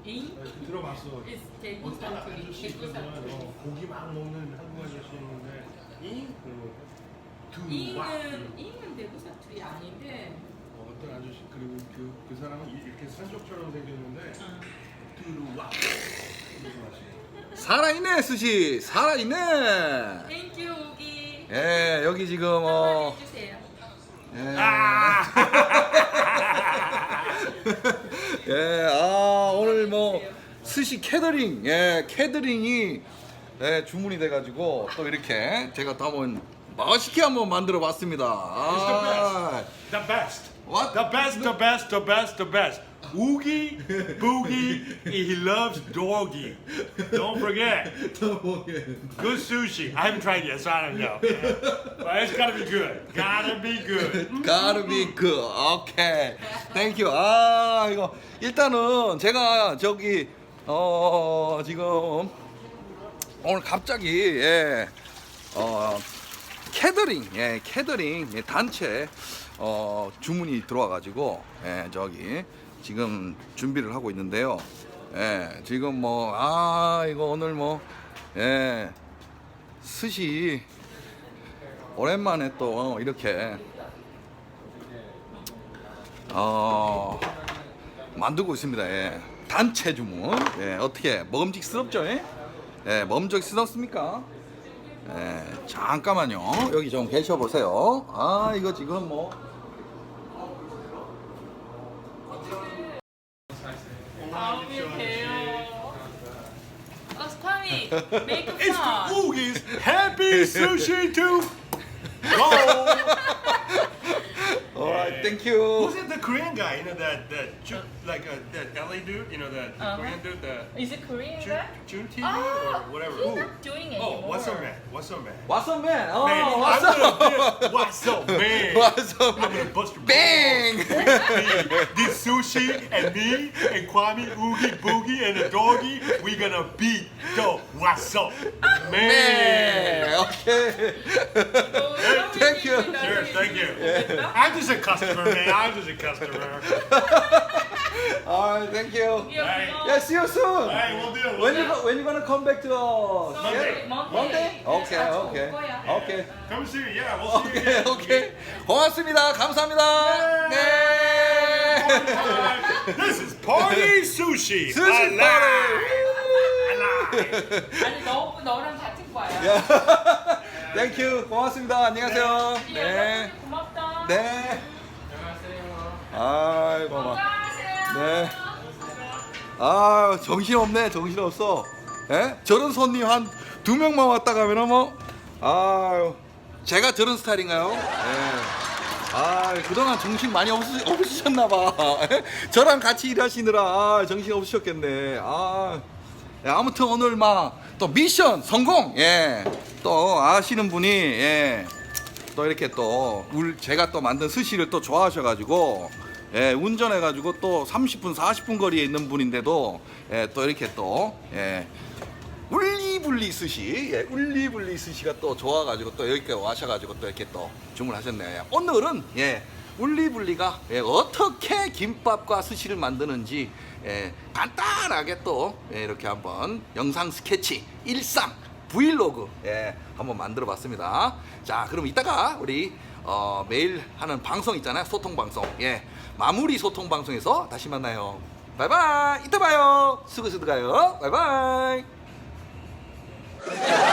이? 들어봤어. 대구 사투리. 아저씨 대구 사투리. 고기 막 먹는 한국 아저씨 있는데 이는 대구 사투리 아닌데. 어떤 아저씨 그리고 그 사람은 이렇게 산적처럼 생겼는데 두루와 살아있네 스시 살아있네. 땡큐 오기. 예 여기 지금 한번 해주세요. 예. 아! 예, 오늘 뭐 스시 캐더링, 캐더링이 주문이 돼가지고 또 이렇게 제가 또 한번 맛있게 한번 만들어봤습니다. The best. What? The best, the best, the best, the best. Oogie Boogie, he loves doggy. Don't forget. Good sushi. I haven't tried yet, so I don't know. But it's gotta be good. Gotta be good. Gotta be good. 오케이. Thank you. 이거 일단은 제가 저기 지금 오늘 갑자기 캐더링, 캐더링 단체 주문이 들어와가지고 저기 지금 준비를 하고 있는데요. 지금 뭐 이거 오늘 뭐 스시 오랜만에 또 이렇게 만들고 있습니다. 단체 주문. 어떻게 먹음직스럽죠? 먹음직스럽습니까? 잠깐만요. 여기 좀 계셔 보세요. 이거 지금 뭐 스파미, make It's fun. the Oogie's happy sushi to go. alright, thank you. Who's it? The Korean guy, you know that that LA dude, you know that Korean dude, the Is it Korean Jun, guy? Jun TV or whatever. He's Who? not doing anymore. Oh, what's up, man? What's up, man? What's up, man? Man, What's I'm up? gonna, what's up, man? What's up, I'm man? gonna bust your Bang! balls. This sushi and me and Kwame Oogie Boogie and the doggy, we gonna beat the what's up, man. 네, 오케이. Thank you. Sure, thank you. I'm just a customer, man. I'm just a customer. Alright, thank you. Hey. Yeah, see you soon. Hey, we'll do. When you gonna come back to Monday. Monday? Okay, okay. Okay. Come see you. Yeah, we'll see you. 오케이, again. 오케이. 고맙습니다. 감사합니다. 네. This is Party Sushi. 스시 Alive. 파리. Alive. 아니 너랑 같은 과야. 땡큐. 고맙습니다. 안녕하세요. 네. 네. 고맙다. 네. 아이고 막. 건강하세요. 네. 정신없네. 정신없어. 저런 손님 한 2명만 왔다 가면은 뭐 제가 저런 스타일인가요? 그동안 정신 많이 없으셨나봐. 저랑 같이 일하시느라 정신 없으셨겠네. 아무튼 오늘 또 미션 성공. 또 아시는 분이 또 이렇게 또 제가 또 만든 스시를 또 좋아하셔가지고 운전해가지고 또 30분 40분 거리에 있는 분인데도 또 이렇게 또 울리불리 스시, 울리불리 스시가 또 좋아가지고 또 여기까지 와셔가지고 또 이렇게 또 주문하셨네요. 오늘은 울리불리가 어떻게 김밥과 스시를 만드는지 간단하게 또 이렇게 한번 영상 스케치, 일상, 브이로그 한번 만들어 봤습니다. 자, 그럼 이따가 우리 매일 하는 방송 있잖아요. 소통 방송. 마무리 소통 방송에서 다시 만나요. 바이바이. 이따 봐요. 수고수고 가요. 바이바이.